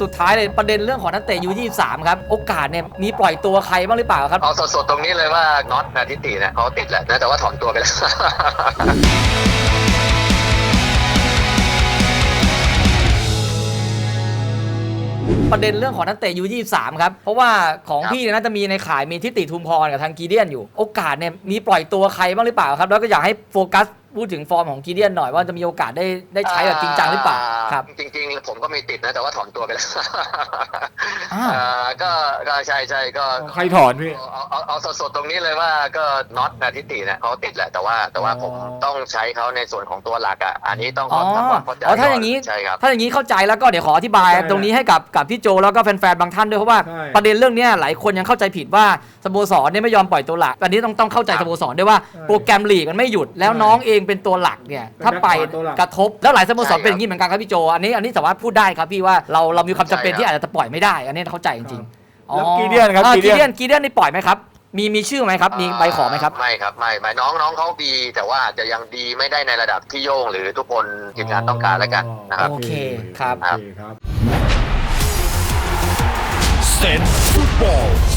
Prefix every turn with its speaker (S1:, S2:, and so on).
S1: สุดท้ายเลยประเด็นเรื่องของนักเตะU23ครับโอกาสเนี่ยมีปล่อยตัวใครบ้างหรือเปล่าครับ
S2: เอาสดๆตรงนี้เลยว่าน็อตนาทิติเนี่ยเขาติดแหละนะแต่ว่าถอนตัวไปแล้ว
S1: ประเด็นเรื่องของนักเตะU23ครับเพราะว่าของพี่เนี่ยน่าจะมีในข่ายมีทิติทุมพรกับทางกีเดียนอยู่โอกาสเนี่ยมีปล่อยตัวใครบ้างหรือเปล่าครับแล้วก็อยากให้โฟกัสพูดถึงฟอร์มของกีเดียนหน่อยว่าจะมีโอกาสได้ใช้แบบจริงจังหรือเปล่าครับ
S2: จริงๆผมก็มีติดนะแต่ว่าถอนตัวไปแล้ว ก็ใช่ก็
S3: ใครถอนพี่
S2: เอาสดๆตรงนี้เลยว่าก็น็อตนาทิติเนี่ยเขาติดแหละแต่ว่าผมต้องใช้เขาในส่วนของตัวหลักอ่ะอันนี้ต้องขอทำความเข้าใจ
S1: ถ้าอย่างนี้
S2: ใช่ครับ
S1: ถ้าอย่างนี้เข้าใจแล้วก็เดี๋ยวขออธิบายตรงนี้ให้กับพี่โจแล้วก็แฟนๆบางท่านด้วยเพราะว่าประเด็นเรื่องนี้หลายคนยังเข้าใจผิดว่าสโมสรเนี่ยไม่ยอมปล่อยตัวหลักอันนี้ต้องเข้าใจสโมสรด้วยว่าโปรแกรมลีกมันไม่หยุดแล้วน้องเองเป็นตัวหลักเนี่ยถ้าไปกระทบแล้วหลายสโมสรเป็นอย่างนี้เหมือนกันครับพี่โจอันนี้สามารถพูดได้ครับพี่ว่าเรามีความจำเป็นที่อาจจะปล่อยไม่ได้อันนี้เข้าใจจริงๆ
S3: แล้วกีเดียนครับ
S1: กีเดียนนี่ปล่อยไหมครับมีชื่อไหมครับมีใบขอไหมครับ
S2: ไม่ครับไม่น้องเขาดีแต่ว่าจะยังดีไม่ได้ในระดับที่โย่งหรือทุกคนทีมงานต้องการแล้วกันนะครับ
S1: โอเคครับ
S3: เซนฟุตบอล